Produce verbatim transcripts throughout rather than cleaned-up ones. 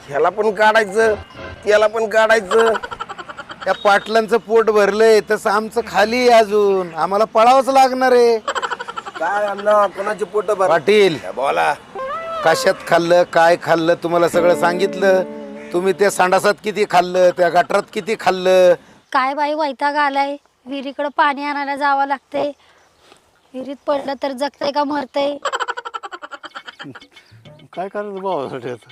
ह्याला पण काढायचं त्याला पण काढायचं. त्या पाटलांचं पोट भरलंय तसं आमचं खाली आहे अजून, आम्हाला पळावंच लागणार आहे. काय अण्णा कोणाचे पोट भर पाटील बोला. कशात खाल्लं काय खाल्लं तुम्हाला सगळं सांगितलं. तुम्ही त्या संडासात किती खाल्लं, त्या गटारात किती खाल्लं. काय बाई वैताग आलाय. विहिरीकडे पाणी आणायला जावं लागते. विहिरीत पडलं तर जगतंय का मरतंय. काय करायचं भावासाठी आता?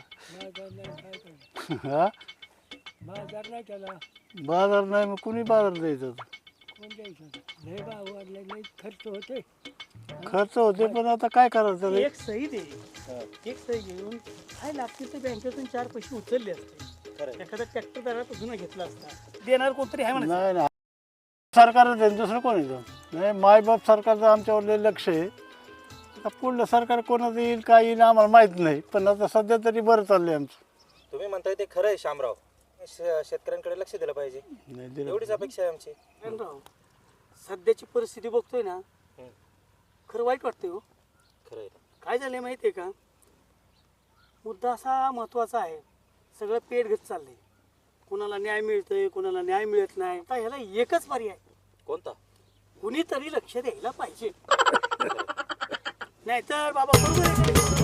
हा बाजार नाही त्याला बाजार नाही मग कुणी बाजार द्यायचं आता? कोण द्यायचं लय भाव वाढले लय खर्च होते. खर्च होते पण आता काय करायचं त्याला? एक सही दे एक सही घेऊन काय लागते ते बँकेतून चार पैसे उचलले असते. एखादा ट्रॅक्टर दरापासून घेतला असता देणार कोणतरी आहे म्हणा. नाही ना सरकारच आहे दुसरं कोण येतं नाही. मायबाप सरकारचं आमच्यावर लय लक्ष आहे. आता पुढलं सरकार कोणाचं येईल काय येईल आम्हाला माहीत नाही, पण आता सध्या तरी बरं चाललंय आमचं. तुम्ही म्हणताय ते खरं आहे शामराव. श- शेतकऱ्यांकडे लक्ष दिलं पाहिजे नाही दिलं एवढीच अपेक्षा आहे आमची. राव सध्याची परिस्थिती बघतोय ना खरं वाईट वाटतंय हो. खरं आहे. काय झालंय माहिती आहे का? मुद्दा असा महत्त्वाचा आहे. सगळं पेट घेत चाललंय. कोणाला न्याय मिळतोय कोणाला न्याय मिळत नाही. आता ह्याला एकच पर्याय कोणता? कुणीतरी लक्ष द्यायला पाहिजे. नाहीतर बाबा बरोबर आहे.